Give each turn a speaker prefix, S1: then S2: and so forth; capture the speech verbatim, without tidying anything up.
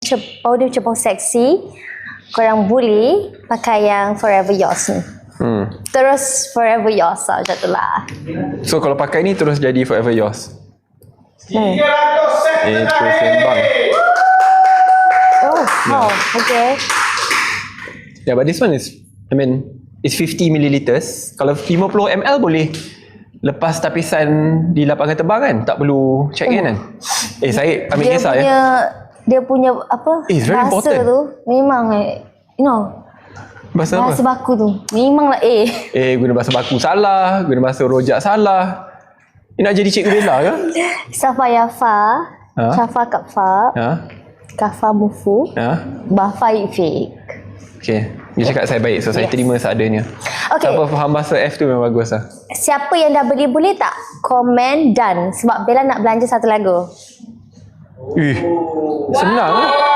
S1: cep- powder macam bau seksi, korang boleh pakai yang Forever Yours ni.
S2: Hmm.
S1: Terus Forever Yours lah, macam tu lah.
S2: So kalau pakai ni terus jadi Forever Yours.
S1: Hmm.
S2: Eh, terus sembang.
S1: Oh, wow, okay.
S2: Yeah, but this one is, I mean, it's fifty milliliters. Kalau fifty milliliters boleh lepas tapisan di lapangan terbang kan? Tak perlu check in kan? Eh, saya ambil
S1: Dia
S2: kisah
S1: punya,
S2: ya.
S1: dia punya apa,
S2: Eh, it's very
S1: bahasa
S2: important.
S1: tu memang eh, you know,
S2: Bahasa
S1: bahasa
S2: apa?
S1: baku tu memanglah eh.
S2: Eh, guna bahasa baku salah, guna bahasa rojak salah. Ni nak jadi Cikgu Bella ke?
S1: Safa Yafa,
S2: Ha?
S1: Shafa Kapfa,
S2: Ha?
S1: Kafa Mufu,
S2: Ha?
S1: Bafa Ifik.
S2: Okay. Dia cakap saya baik, so saya
S1: Yes.
S2: terima seadanya.
S1: Okay.
S2: Siapa faham bahasa F tu memang bagus lah.
S1: Siapa yang dah beli boleh tak komen dan sebab Bella nak belanja satu lagu.
S2: Ih, senang.